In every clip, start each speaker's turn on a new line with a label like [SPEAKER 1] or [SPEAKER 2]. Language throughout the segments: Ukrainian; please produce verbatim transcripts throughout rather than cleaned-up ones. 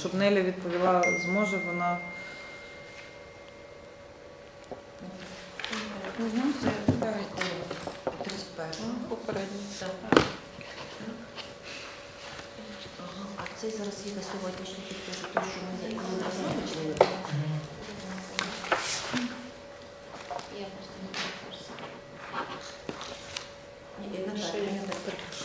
[SPEAKER 1] щоб Неля відповіла, зможе вона.
[SPEAKER 2] А цей зараз є на сьогоднішній підпишу, той, що ми зазначили. Я просто не перепрошую. Ні, я не знаю, я не перепрошую.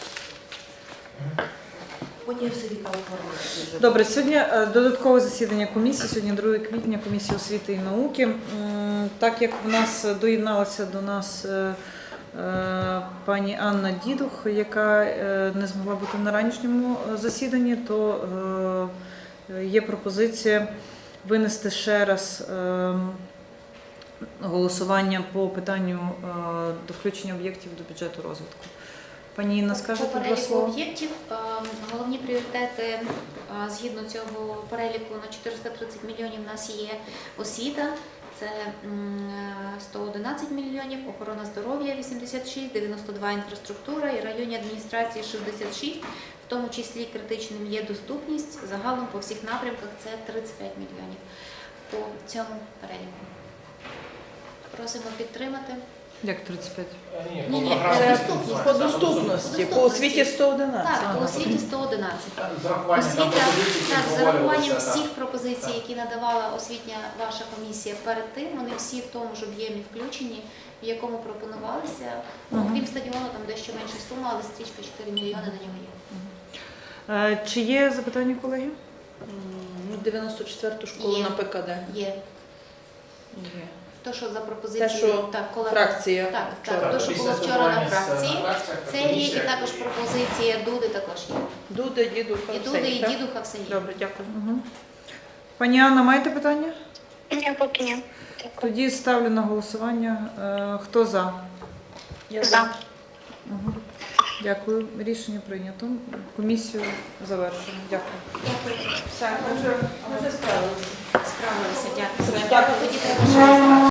[SPEAKER 2] Потім я все віка оформлю.
[SPEAKER 1] Добре, сьогодні е, додаткове засідання комісії, сьогодні друге квітня, комісії освіти і науки. М, Так як в нас доєдналася до нас е, е, пані Анна Дідух, яка е, не змогла бути на ранішньому засіданні, то е, є пропозиція винести ще раз е, голосування по питанню е, до включення об'єктів до бюджету розвитку. Пані Інна, скажете
[SPEAKER 3] По
[SPEAKER 1] два
[SPEAKER 3] переліку
[SPEAKER 1] слова?
[SPEAKER 3] об'єктів е, головні пріоритети е, згідно цього переліку на чотириста тридцять мільйонів у нас є освіта, це м, сто одинадцять мільйонів, охорона здоров'я вісімдесят шість, дев'яносто два інфраструктура і районні адміністрації шістдесят шість, в тому числі критичним є доступність, загалом по всіх напрямках це тридцять п'ять мільйонів по цьому переліку. Просимо підтримати.
[SPEAKER 1] Як тридцять п'ять?
[SPEAKER 4] Ні,
[SPEAKER 3] Ні,
[SPEAKER 4] по
[SPEAKER 3] ні,
[SPEAKER 4] програмі.
[SPEAKER 3] це
[SPEAKER 4] По
[SPEAKER 5] По доступності, по освіті сто одинадцять.
[SPEAKER 3] Так, по освіті сто одинадцять.
[SPEAKER 4] З урахуванням там
[SPEAKER 3] Освіта,
[SPEAKER 4] пропозицій,
[SPEAKER 3] так,
[SPEAKER 4] які
[SPEAKER 3] з урахуванням
[SPEAKER 4] обговорювалися,
[SPEAKER 3] всіх
[SPEAKER 4] так.
[SPEAKER 3] пропозицій,
[SPEAKER 4] Так.
[SPEAKER 3] які надавала освітня ваша комісія перед тим, вони всі в тому ж об'ємі включені, в якому пропонувалися. Ну,
[SPEAKER 1] Мгм.
[SPEAKER 3] Крім стадіону, там дещо менша сума, але стрічка чотири мільйони на нього є.
[SPEAKER 1] Е, Чи є запитання, колеги?
[SPEAKER 5] Ну, дев'яносто четверту школу
[SPEAKER 3] Є.
[SPEAKER 5] на ПКД.
[SPEAKER 3] Є.
[SPEAKER 5] Є.
[SPEAKER 3] То, що за пропозицією,
[SPEAKER 5] Те, що
[SPEAKER 3] так, колега-
[SPEAKER 5] Фракція
[SPEAKER 3] Так,
[SPEAKER 5] вчора.
[SPEAKER 3] так, то, що
[SPEAKER 4] Після
[SPEAKER 3] було вчора на
[SPEAKER 4] спілкування з-
[SPEAKER 3] фракції,
[SPEAKER 4] на фракціях,
[SPEAKER 3] це є, і
[SPEAKER 4] комісія.
[SPEAKER 3] також пропозиція Дуди також є.
[SPEAKER 5] Дуда, дідуха,
[SPEAKER 3] І
[SPEAKER 5] все,
[SPEAKER 3] Дуди, і
[SPEAKER 5] так?
[SPEAKER 3] Дідуха все є.
[SPEAKER 5] Добре, дякую.
[SPEAKER 1] Угу. Пані Анна, маєте питання?
[SPEAKER 6] Ні, поки ні.
[SPEAKER 1] Тоді ставлю на голосування. Е, Хто за?
[SPEAKER 5] Я
[SPEAKER 6] За.
[SPEAKER 1] Угу. Дякую. Рішення прийнято. Комісію завершено. Дякую.
[SPEAKER 3] Дякую.
[SPEAKER 5] Все, ми вже, ми вже справилися.
[SPEAKER 3] Справилися, дякую.
[SPEAKER 5] Дякую.
[SPEAKER 3] Дякую. Тоді треба ще раз.